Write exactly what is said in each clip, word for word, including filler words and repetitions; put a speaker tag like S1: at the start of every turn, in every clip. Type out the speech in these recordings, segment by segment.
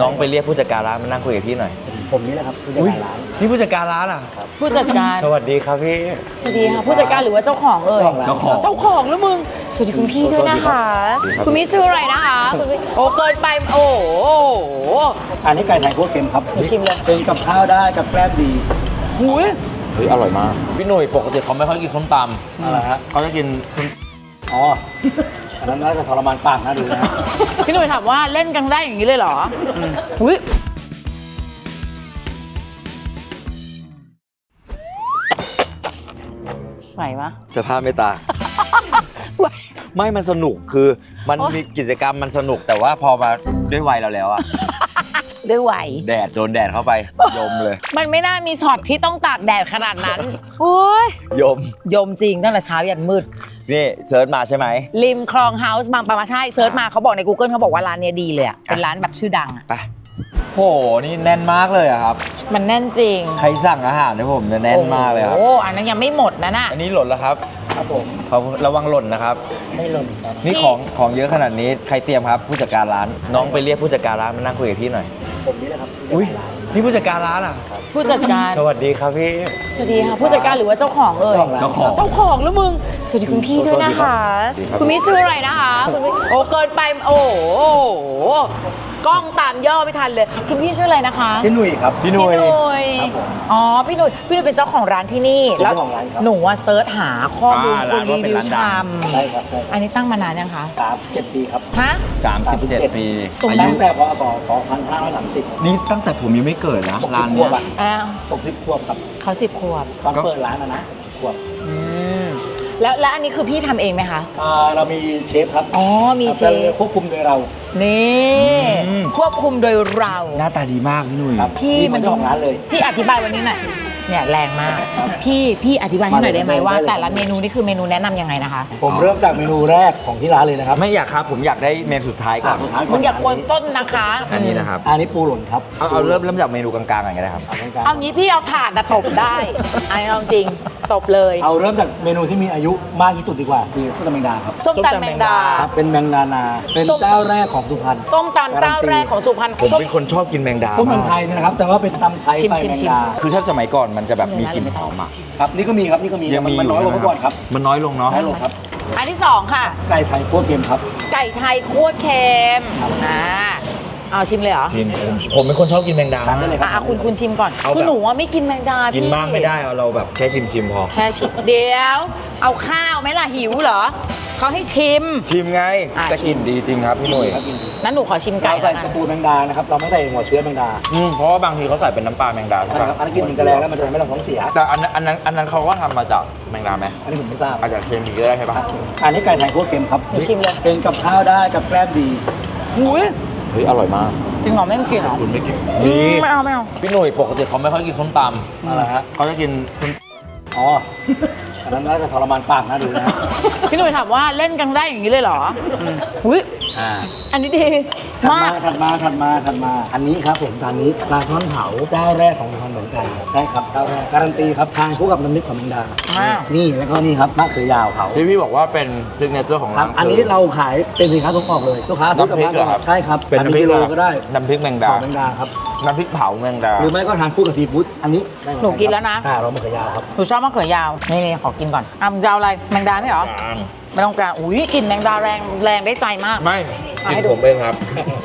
S1: น้องไปเรียกผู้จัดการร้านมานั่งคุยกับพี่หน่อย
S2: ผมนี่แหละครับผู้จัดการร้าน
S1: นี่ผู้จัดการร้านอ่ะ
S3: ผู้จัดการ
S1: สวัสดีครับพี่
S3: สวัสดีค่ะผู้จัดการหรือว่าเจ้าของเอ่ย
S1: เจ้าของ
S3: เจ้าของแล้วมึงสวัสดีคุณพี่ด้วยนะคะคุณพี่ชื่ออะไรนะคะคุณพี่โอ้เกินไปโอ้โห
S2: อันนี้ไก่ไทยคั่วเค็มครับ
S3: ชิมเลย
S2: เป็นกับข้าวได้กับแกล้มดี
S3: หุย
S1: เฮ้ยอร่อยมากพี่หนุ่ยปกติเขาไม่ค่อยกินส้มตำ
S2: อะไรฮะ
S1: เขาจะกิน
S2: อ๋ออันนั้นน่าจะทรมานปากนะดูนะ
S3: พี่หนุ่ยถามว่าเล่นกันได้อย่างนี้เลยเหรอหุยไหวปะ
S1: สภาพไม่ตาไม่มันสนุกคือมันมีกิจกรรมมันสนุกแต่ว่าพอมาด้วยวัยเราแล้วอะ
S3: ด้วยไหว
S1: แดดโดนแดดเข้าไปยมเลย
S3: มันไม่น่ามีช็อตที่ต้องตากแดดขนาดนั้นโอ้ย
S1: ยม
S3: ยมจริงตั้งแต่เช้ายันมืด
S1: นี่เซิร์ชมาใช่ไหม
S3: ริมคลองเฮาส์บางปะมาใช่เซิร์ชมาเขาบอกใน Google เขาบอกว่าร้านนี้ดีเลยอะเป็นร้านแบบชื่อดังอะ
S1: ไปโหนี่แน่นมากเลยอะครับ
S3: มันแน่นจริง
S1: ใครสั่งอาหารให้ผมแน่นมากเลยครับ
S3: โอ้อันนั้นยังไม่หมดนะน่ะ
S1: อันนี้หล่นแล้วครับ
S2: ครับผม
S1: เขาระวังหล่นนะครับ
S2: ไม่หล่น
S1: นี่ของของเยอะขนาดนี้ใครเตรียมครับผู้จัดการร้านน้องไปเรียกผู้จัดการร้านมานั่งคุยกับพี่หน่อย
S2: ผมนี่แหละครับ
S1: อุ้ยนี่ผู้จัดการร้านอ่ะ
S3: ผู้จัดการ
S1: สวัสดีครับพี่
S3: สวัสดีค่ะผู้จัดการหรือว่าเจ้าของเอ่ย
S1: เจ้าของ
S3: เจ้าของแล้วมึงสวัสดีคุณพี่ด้วยนะคะคุณพี่ชื่ออะไรนะคะคุณพี่โอ้เกินไปโอ้โหกล้องตามย่อไม่ทันเลยคุณพี่ชื่ออะไรนะคะ
S2: พี่หนุ่ยครับ
S1: พี่หนุ่ย
S3: อ๋อพี่หนุ่ยพี่หนุ่ยเป็นเจ้าของร้านที่นี่แล้วหนูว่าเซิร์ชหาข้อมูลคนรีวิวชาม
S2: ใช่ครับ
S3: อันนี้ตั้งมานานยังคะ
S2: สามเจ็ดปีครับ
S3: ฮะ
S1: สามสิบเจ็ดปี
S2: อายุตั้งแต่พศสองพันห้าร้อยสามสิบ
S1: นี่ตั้งแต่ผมยังไม่เกิดนะร้านนี้
S3: อ้าว
S2: หกสิบขวบครับ
S3: เขาสิบขวบ
S2: ตอนเปิดร้านนะนะขวบ
S3: แล้วแล้วอันนี้คือพี่ทำเองไหมคะ
S2: อ่าเรามีเชฟครับ
S3: อ๋อมีเชฟ
S2: ควบคุมโดยเรา
S3: นี่ควบคุมโดยเรา
S1: หน้าตาดีมากพี่หนุ่ย
S3: พี่
S2: มันเจ้าของร้านเลย
S3: พี่อธิบายวันนี้หน่อยเนี่ยแรงมากพี่พี่อธิบายให้หน่อยได้ไหมว่าแต่ละเมนูนี่คือเมนูแนะนำยังไงนะคะ
S2: ผมเริ่มจากเมนูแรกของที่ร้านเลยนะครับ
S1: ไม่อยากครับผมอยากได้เมนูสุดท้ายก่อน
S3: มึงอยากกวนต้นนะคะ
S1: อันนี้นะครับ
S2: อันนี้ปูหล่นครับ
S1: เอาเอาเริ่มเริ่มจากเมนูกลางๆก่อนก็ได้ครับ
S3: เอางี้พี่เอาถาดตบได้อันนี้จริงตบเลย
S2: เอาเริ่มจากเมนูที่มีอายุมากที่สุดดีกว่าคือส้มตำแมงดาครับ
S3: ส้มตำแมงดา
S2: ครับเป็นแมงดานาเป็นเจ้าแรกของสุพรรณ
S3: ส้มตำเจ้าแรกของสุพรรณ
S1: ผมเป็นคนชอบกินแมงดา
S2: ส้มตำไทยนะครับแต่ว่าเป็นตำไทยใส่แมงดา
S1: คือถ้าสมัยก่อนมันจะแบบมีกลิ่นหอมอ่ะ
S2: ครับนี่ก็มีครับนี่ก็มีมันน้อยกว่าเมื่อก่อนครับ
S1: มันน้อยลงเนาะ
S2: น้อยลงครับ
S3: อันที่สองค่ะ
S2: ไก่ไทยคั่วเค็มครับ
S3: ไก่ไทยคั่วเค็มอ่าเอาชิมเลยเหรอ
S1: ชิมผมเป็นคนชอบกินแมงดา
S2: ได้เลยครับ
S3: อ่ะคุณคุณชิมก่อนคือหนูว่าไม่กินแมงดา
S1: กินมากไม่ได้เอาเราแบบแค่ชิมชิมพอ
S3: แค่ชิมเดี๋ยวเอาข้าวไหมล่ะหิวเหรอเขาให้ชิม
S1: ชิมไงจะกินดีจริงครับพี่หนุ่ย
S3: นั้นหนูขอชิมไก่
S2: ใส่กระปูแมงดานะครับเราไม่ใส่หัวเชื้อแมงดา
S1: อืมเพราะว่าบางทีเขาใส่เป็นน้ำปลาแมงดาใช่ไหม
S2: ครับอันนั้นกินมันจะแรงแล้วมันจะไม่ต้องท้องเสีย
S1: แต่อันนั้นอันนั้นอันนั้นเขาก็ทำมาจากแมงดาไหม
S2: อันนี้ผมไม่ทราบ
S1: อาจจะเคมีก็ได้ใช่ปะ
S2: อันนี้ไก่ไทยคั่วเค็มครับ
S3: ชิมเลย
S2: เป็นกับข้าวได้กับแกล้มดี
S3: หุย
S1: เฮ้ยอร่อยมาก
S3: จริงเหรอไม่กินเหรอ
S1: คุณไม่กิน
S3: นี่ไม่เอาไม่เอา
S1: พี่หนุ่ยปกติเขาไม่ค่อยกินส้มตำ
S2: อะไรฮะ
S1: เขาจะกิน
S2: อ๋ออันนั้นน่าจะทรมานปากนะดูนะ
S3: พี่หนุ่ยถามว่าเล่นกันได้อย่างนี้เลยเหรออุ้ย
S2: อ่า
S3: อันนี้ดี
S2: มากถัดมาถัดมาถัดมาอันนี้ครับผมทานนี้ปลาท่อนเผาเจ้าแรกของสุพรรณเหมือนกันใช่ครับเจ้าแรกการันตีครับทานคู่กับน้ำพริกของแมงดานี่แล้วก็นี่ครับมะเขือยาวเผา
S1: ที่พี่บอกว่าเป็นซิกเนเจอร์ของร้าน
S2: อันนี้เราขายเป็นสินค้าส่งออกเลยลูกค้า
S1: น้ำพริกเหรอครับ
S2: ใช่ครับ
S1: เป็นน้ำพริกโล
S2: ก็ได้
S1: น้ำพริกแมงดา
S2: แมงดาครับ
S1: น้ำพริกเผาแมงดา
S2: หรือไม่ก็ทานคู่กับซีฟู้ดอันนี้
S3: หนูกินแล้วนะ
S2: อ่าเรามะเขือยาวครับ
S3: หนูชอบมะเขือยาวนี่นี่ขอกินก่อนอ่ะจะเอาอะไรแมงดาไม่เหรอไม่ต้องการอุ้ยกลิ่นแมงดาแรงแรงได้ใจมาก
S1: ไม่กินผมเองครับ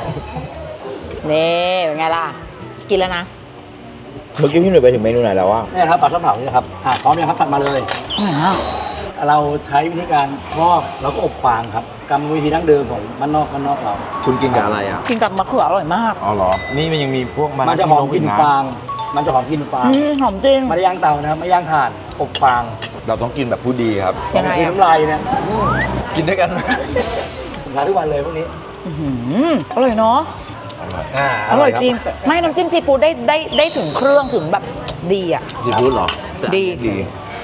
S3: นี่เป็นไงล่ะกินแล้วนะ
S1: เมื่อกี้พี่หนุ่ยไปถึงเมนูไหนแล้ววะ
S2: นี่ครับปลาท่อนเผานี่ครับอ่าพร้อมยังครับตัดมาเลยเราใช้วิธีการทอดเราก็อบฟางครับกรรมวิธีดั้งเดิมของมันนอกมันนอกเรา
S1: คุณกินกับอะไรอ่ะ
S3: กินกับมะเขืออร่อยมาก
S1: อ๋อเหรอนี่มันยังมีพวก
S2: มันจะหอมกลิ่นฟางมันจะหอมกลิ่นฟาง
S3: หอมจริง
S2: ไม่ได้ย่างเตานะครับไม่ย่างถ่านอบฟาง
S1: เราต้องกินแบบผู้ดีครับ
S3: ยังไง
S2: น้ำลายเนี่ย
S1: กินด้วยกัน
S2: ผมทานทุกวันเลยพวกนี้
S3: อร่อยเนาะอร่อยจริงไม่น้ำจิ้มซีฟู้ดได้ได้ได้ถึงเครื่องถึงแบบดีอ่ะ
S1: ซีฟู้ดเหรอ
S3: ดี
S1: ดี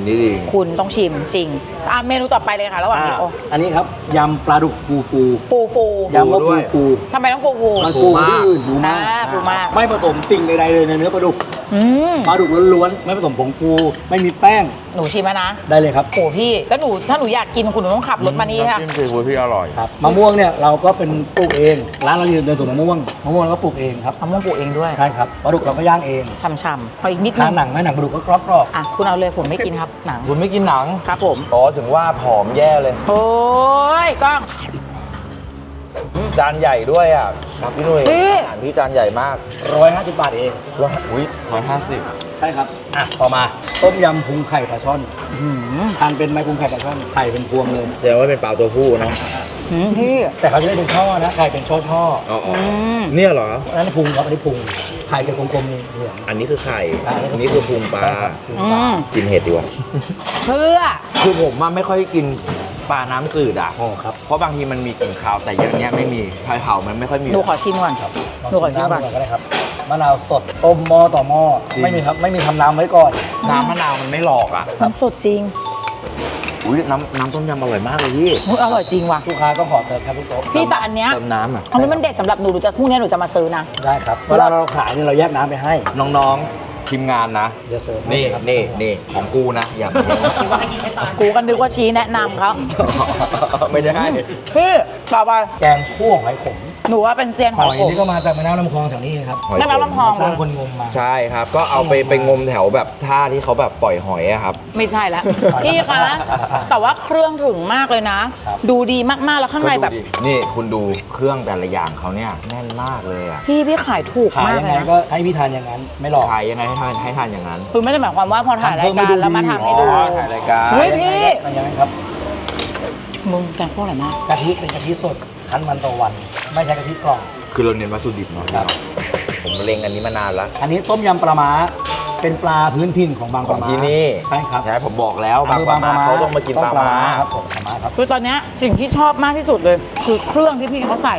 S1: นนี้ดี
S3: คุณต้องชิมจริงอ่ะเมนูต่อไปเลยค่ะระหว่างนี้โอ้
S2: อันนี้ครับยำปลาดุกปูปู
S3: ปูปู
S2: ยำว่าปูปู
S3: ทำไมต้องปูปู
S2: มันปูที่อื่นดูมาก
S3: อ่าปูมาก
S2: ไม่ผสมสิ่งใดๆเลยในเนื้อปลาดุก
S3: อืม
S2: ปลาดุกล้วนๆไม่ผสมผงปูไม่มีแป้ง
S3: หนูชิมแล้วนะ
S2: ได้เลยครับ
S3: โอ้พี่แล้วหนูถ้าหนูอยากกินคุณหนูต้องขับรถมานี่ค่ะ
S1: น้ำจิ้มซีฟู้ดพี่อร่อย
S2: ครับมะม่วงเนี่ยเราก็เป็นปลูกเองร้านเราอยู่ในสวนมะม่วงมะม่วงเราก็ปลูกเองครับ
S3: มะม่วงปลูกเองด้วย
S2: ใช่ครับปลาดุกเราก็ย่างเอง
S3: ช่ำๆขออีกนิดนึ
S2: ทาง นหนังไหมหนังปลาดุกก็กรอบ
S3: อ่ะคุณเอาเลยผมไม่กินครับหนัง
S1: คุณไม่กินหนัง
S3: ครับผม
S1: อ๋อถึงว่าผอมแย่เลย
S3: โอ้ยกล้อง
S1: จานใหญ่ด้วยอ่ะครับพี่หนุ่ย
S3: พี่
S1: อาหารพี่จานใหญ่มาก
S2: ๆร้อยห้าสิบบาทเอง
S1: ร้อยอุ้ยร้อยห้าสิบ
S2: ใช่ครับอ่ะต่อมาต้มยำพุงไข่ปลาช่อน
S3: หืม
S2: ทานเป็นไหมพุงไข่ปลาช่อนไข่เป็นพวงเลย
S1: แสดงว่าเป็นปลาตัวผู้เนาะ
S3: หืมพี่
S2: แต่เขาจะได้เป็นช่อนะไข่เป็นช่อช่อ
S1: อ๋อ
S3: อืม
S1: เนี่ยเหรอ
S2: ๆอันนั้นพุงครับอันนี้พุงไข่เป็นกลมๆนี่เหลือง
S1: อันนี้คือไข่
S2: อ่า
S1: อันนี้คือพุงปลา
S2: พุง
S3: อื
S2: ปลา
S3: ม
S1: กินเห็ดดีกว่า
S3: เพื่อ
S1: คือผมอะไม่ค่อยกินปลาน้ำจืดอ่ะ
S2: อ๋อครับ
S1: เพราะบางทีมันมีกลิ่นคาวแต่อย่างเงี้ยไม่มีไผ่เผามันไม่ค่อยมี
S3: หนูขอชิมก่อน
S2: ครับ
S3: หนูขอชิมก่อน
S2: ก็ได้ครับมะนาวสดต้มหม้อต่อหม้อไม่มีครับไม่มีทำน้ำไว้ก่อน
S1: น้ำมะนาวมันไม่หลอกอ่ะ
S3: มันสดจริง
S1: อุ้ยน้ำน้ำต้มยำอร่อยมากเลยพี่
S3: อุ๊ยอร่อยจริงว่ะ
S2: ลูกค้าก็ขอเติมครับทุกโต๊ะ
S3: พี่แต่อันเนี้ย
S1: เติมน้ำอ่ะ
S3: อันนี้มันเด็ดสำหรับหนูหนูจะพรุ่งนี้หนูจะมาซื้อนะ
S2: ได้ครับเวลาเราขายเนี่ยเราแยกน้ำไปให้
S1: น้องๆทีมงานนะ
S2: เดี๋ยวเสิร์ฟ
S1: นี่
S2: ให้ครับ
S1: นี่นี่ของกูนะอย่ามา
S3: กูกันนึกว่าชี้แนะนำเขา
S1: ไม่ได้
S3: พี่ต่อไป
S2: แกงคั่วหอยขม
S3: หนูว่าเป็นเซียน
S2: ห
S3: หอ
S2: อย ย
S3: ขม
S2: นี่ก็มาจากแม่น้ำลำคลองแถวนี้ครับ
S1: หอย
S3: แม่น้ำลำคลอง
S2: ตั้งคนงมมา
S1: ใช่ครับ ก็เอาไปไปงมแถวแบบท่าที่เขาแบบปล่อยหอยอะครับ
S3: ไม่ใช่แล้ว พี่คะ แต่ว่าเครื่องถึงมากเลยนะ
S2: ครับ
S3: ดูดีมากๆแล้วข้างใน
S1: ก็ดู
S3: แบบ
S1: ดินี่คุณดูเครื่องแต่ละอย่างเขาเนี่ยแน่นมากเลยอะ
S3: พี่พี่ขายถูก
S2: ขาย
S3: มาก
S2: ยัง
S3: เล
S2: ไง
S3: ยนะ
S2: ก็ให้พี่ทานอย่างนั้น ไม่หลอก
S1: ขายยังไงให้ทานให้ทานอย่างนั้น
S3: คือไม่ได้หมายความว่าพอถ่ายรายการแล้วมาทำให้ดู
S1: อ๋อถ่ายรายการ
S3: เฮ้ยพี่
S2: มันยังไงครับ
S3: มึงแกงพวกอะไรมาก
S2: กะทิเป็นกะทิสดคั้นวันต่อวัน ไม่ใช่กะทิกล่อง
S1: คือเราเน้นวัตถุดิบเนาะ
S2: ครับ
S1: ผมเล็งอันนี้มานานแล้ว
S2: อันนี้ต้มยำปลาม้าเป็นปลาพื้นถิ่นของบาง
S1: ข
S2: ป
S1: อง
S2: ลาม้า
S1: ที่นี่
S2: ใช่ครับ
S1: ใช่ผมบอกแล้วบาง
S2: อำภ
S1: ปลามาเขาต้องมากินปลามา
S2: ครับผมปลาม้าครับ
S3: คือตอนเนี้ยสิ่งที่ชอบมากที่สุดเลย คือเครื่องที่พี่เขาใส่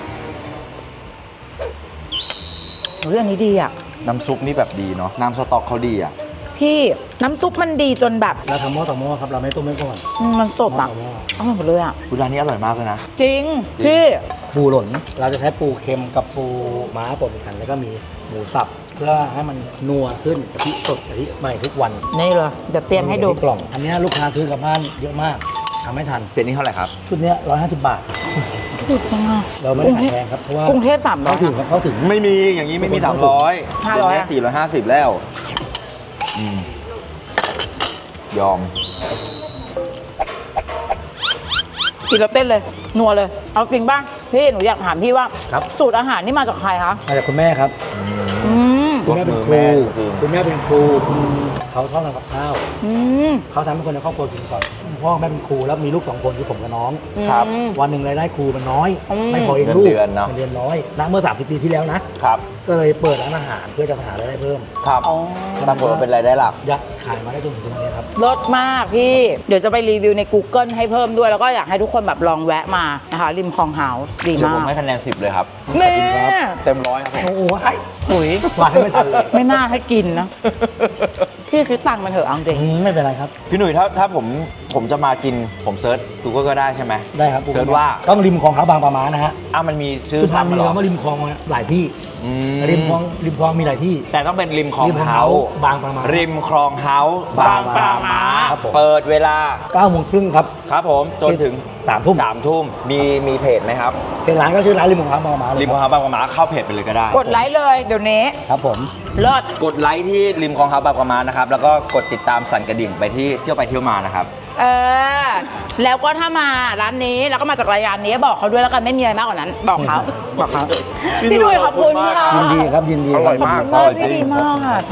S3: เรื่องนี้ดีอ่ะ
S1: น้ำซุปนี่แบบดีเนาะน้ำสต๊อกเขาดีอ่ะ
S3: พี่น้ำซุปมันดีจนแบบ
S2: เราทำหม้อต่อหม้อครับ เราไม่ต้มไม่ก่อน
S3: อืมมันสด
S2: หม้อ
S3: อ่ะ
S2: ต่อหม้อ
S3: อร่อยหมดเลยอ่ะ
S1: ร้านนี้อร่อยมากเลยนะ
S3: จริง
S1: จริง
S3: พี่
S2: ปูหล่น เราจะใช้ปูเค็มกับปูม้าป่นกัน แล้วก็มีหมูสับ เพื่อให้มันนัวขึ้นกะทิสดกะทิใหม่ทุกวัน
S3: นี่เลยเดี๋ยวเตรียมให้ดู
S2: กะทิกล่อง อันนี้ลูกค้าซื้อกลับบ้านเยอะมากทำไม่ทัน
S1: เซตนี้เท่าไหร่ครับ
S2: ชุดเนี้ร้อยห้าสิบบาท
S3: ถูกจังอ่ะ
S2: เราไม่ได้ขายแพงครับ เพราะว่าก
S3: รุงเทพสามร้อ
S2: เขา
S3: ย
S2: ถึงครับเขาถึง
S1: ไม่มีอย่างนี้ไม่มีสามร้อย
S3: ห้าร้อย
S1: เดี๋ยวนี้สี่ร้อยห้าสิบแล้วอืมยอม
S3: กินแล้วเต้นเลยนัวเลย เอาจริงบ้างพี่หนูอยากถามพี่ว่า
S2: ครับ
S3: สูตรอาหารนี่มาจากใครคะ
S2: มาจากคุณแม่ครับ
S3: อืม
S2: คุณแม่เป็นค
S1: แม่
S2: รู
S1: จริง
S2: คุณแม่เป็นครูคุณเขาชอบทำกับข้าว
S3: อืม
S2: เขาทำให้คนในครอบครัวกินก่อนพ่อแม่เป็นครูแล้วมีลูกสองคนคือผมกับน้อง
S1: ครับ
S3: อืม
S2: วันหนึ่งรายได้ครูมันน้อย
S3: อืม
S2: ไม่พอเอง
S1: เงิน
S2: ลูก
S1: เดือนเนอะ
S2: งินเดือนน้อยนะเมื่อสามสิบปีที่แล้วนะ
S1: ครับ
S2: ก็เลยเปิดร้านอาหารเพื่อจะหารายได้เพิ่ม
S1: ครับ
S3: อ๋อ
S1: ปรากฏว่าเป็นรายได้หลัก
S2: ยัดขายมาได้จนถึงตรงนี้ครับ
S3: รสมากพี่ เดี๋ยวจะไปรีวิวใน Google ให้เพิ่มด้วย แล้วก็อยากให้ทุกคนแบบลองแวะมานะคะริมคลองเฮาส์ดี
S1: เดี๋ยว
S3: มา
S1: ผม
S3: ก
S1: ให้คะแนนสิบเลยครับ
S3: นี่
S1: เต็มร้อยครับผม
S2: โอ้โหไอ้
S3: ปุ๋ย
S2: วางให้ไม่ทันเลย
S3: ไม่น่าให้กินนะ พี่คิดตังค์มันเถอะเอาจริง
S2: อืมไม่เป็นไรครับ
S1: พี่หนุ่ยถ้าถ้าผมผมจะมากินผมเซิร์ชกูก็ได้ใช่ไหม
S2: ได้ครับ
S1: เชิญว่า
S2: ต้องริมคลองเขาบางประมานะฮะ
S1: อ้าวมันมีชื่อ
S2: คือทำมี
S1: ซ้ำเหรอ
S2: คำว่าริมคลองหลายที่
S1: อืม
S2: ริมคลองริมคลองมีหลายที่
S1: แต่ต้องเป็นริมคลอง
S2: ริมคลอง
S1: เฮาส์
S2: บางประมา
S1: ริมคลองเฮาส์
S3: บางปลาม้า
S2: ครับผม
S1: เปิดเวลา
S2: เก้าโมงครึ่งครับ
S1: ครับผมจนถึง
S2: สามทุ่ม
S1: สามทุ่มมีมีเพจไหมครับ
S2: เป็นร้านก็ชื่อร้านริมคลองเขาบางประมาเลย
S1: ริมคลองเฮาส์บางปลาม้าเข้าเพจไปเลยก็ได้
S3: กดไลค์เลยเดี๋ยวนี้
S2: ครับผม
S3: เลิศ
S1: กดไลค์ที่ริมคลองเฮาส์บางปลาม้านะครับแล้วก็กดติดตามสั่นกระดิ่งไปที่เที่ยวไปเที่ยวมานะครับ
S3: เออ แล้วก็ถ้ามาร้านนี้แล้วก็มาจากรายการนี้บอกเขาด้วยแล้วกันไม่มีอะไรมากกว่านั้น บอกเขาบอกเขาพี่ดุยขอบคุณค่ะ
S2: ยินดีครับยินดี
S1: อร่อย
S3: ขอบ
S1: มาก
S3: คุณมากพี่ดีมากค่ะ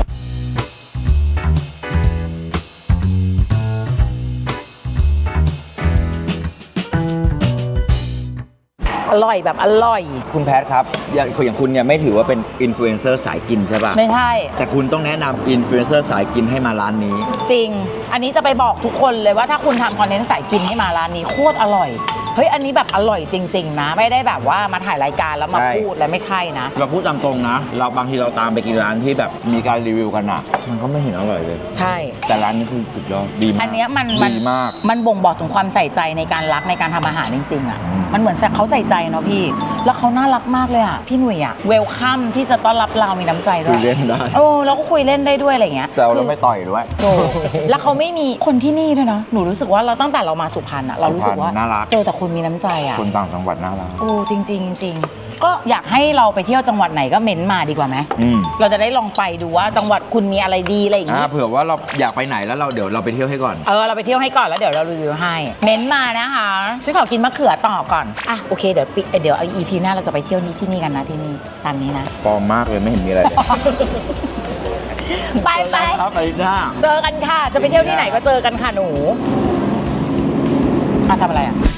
S3: อร่อยแบบอร่อย
S1: คุณแพทครับอย่างอย่างคุณเนี่ยไม่ถือว่าเป็นอินฟลูเอนเซอร์สายกินใช่ป่ะ
S3: ไม่ใช่
S1: แต่คุณต้องแนะนำอินฟลูเอนเซอร์สายกินให้มาร้านนี้
S3: จริง อันนี้จะไปบอกทุกคนเลยว่าถ้าคุณทำคอนเทนต์สายกินให้มาร้านนี้โคตรอร่อยเฮ้ยอันนี้แบบอร่อยจริงๆนะไม่ได้แบบว่ามาถ่ายรายการแล้วมา
S1: ใช่
S3: พูดแล้วไม่ใช่นะ
S1: เราพูดตามตรงนะ เราบางทีเราตามไปกินร้านที่แบบมีการรีวิวกันอะมันก็ไม่เห็นอร่อยเลย
S3: ใช่
S1: แต่ร้านนี้คือสุดยอดดีมาก
S3: อันเนี้ยมันมัน
S1: ดีมาก
S3: มันบ่งบอกถึงความใส่ใจในการรักในการทำอาหารจริงๆอ่ะ
S1: อืม
S3: มันเหมือนเขาใส่ใจเนาะพี่ แล้วเขาน่ารักมากเลยอ่ะ พี่หนุ่ยอ่ะเวลคัมที่จะต้อนรับเรามีน้ำใจด้
S1: คุ
S3: วย ย
S1: เล่นได้
S3: โอ้แล้วก็คุยเล่นได้ด้วยอะไรเงี้ย
S1: แซวแล้วไม่ต่อยด้วย
S3: โอ้แล้วเขาไม่มีคนที่นี่ด้วยนะหนูรู้สึกว่าเราตั้งแต่เรามาสุพรรณอ่ะเรารู้สึกว่า
S1: สุพรรณน่ารัก
S3: เจอแต่คนมีน้ำใจอ่ะ
S1: คนต่างจังหวัดน่ารัก
S3: โอ้จริงๆจริงๆก็อยากให้เราไปเที่ยวจังหวัดไหนก็เม้นมาดีกว่าไหม
S1: อืม
S3: เราจะได้ลองไปดูว่าจังหวัดคุณมีอะไรดีอะไรอย่าง
S1: อ่า
S3: งี้
S1: เผื่อว่าเราอยากไปไหนแล้วเราเดี๋ยวเราไปเที่ยวให้ก่อน
S3: เออเราไปเที่ยวให้ก่อนแล้วเดี๋ยวเรารีวิวให้เม้นมานะคะฉันขอกินมะเขือต่อก่อนอ่ะโอเคเดี๋ยวปิเดี๋ยวเอา อี พี หน้าเราจะไปเที่ยวนี้ที่นี่กันนะที่นี่ตามนี้นะ
S1: ปลอมมากเลยไม่เห็นมีอะไรเลย
S3: ไปไป
S1: ครับไปหน้า
S3: เจอกันค่ะจะไปเที่ยวที่ไหนก็เจอกันค่ะหนูอ่ะทำอะไรอ่ะ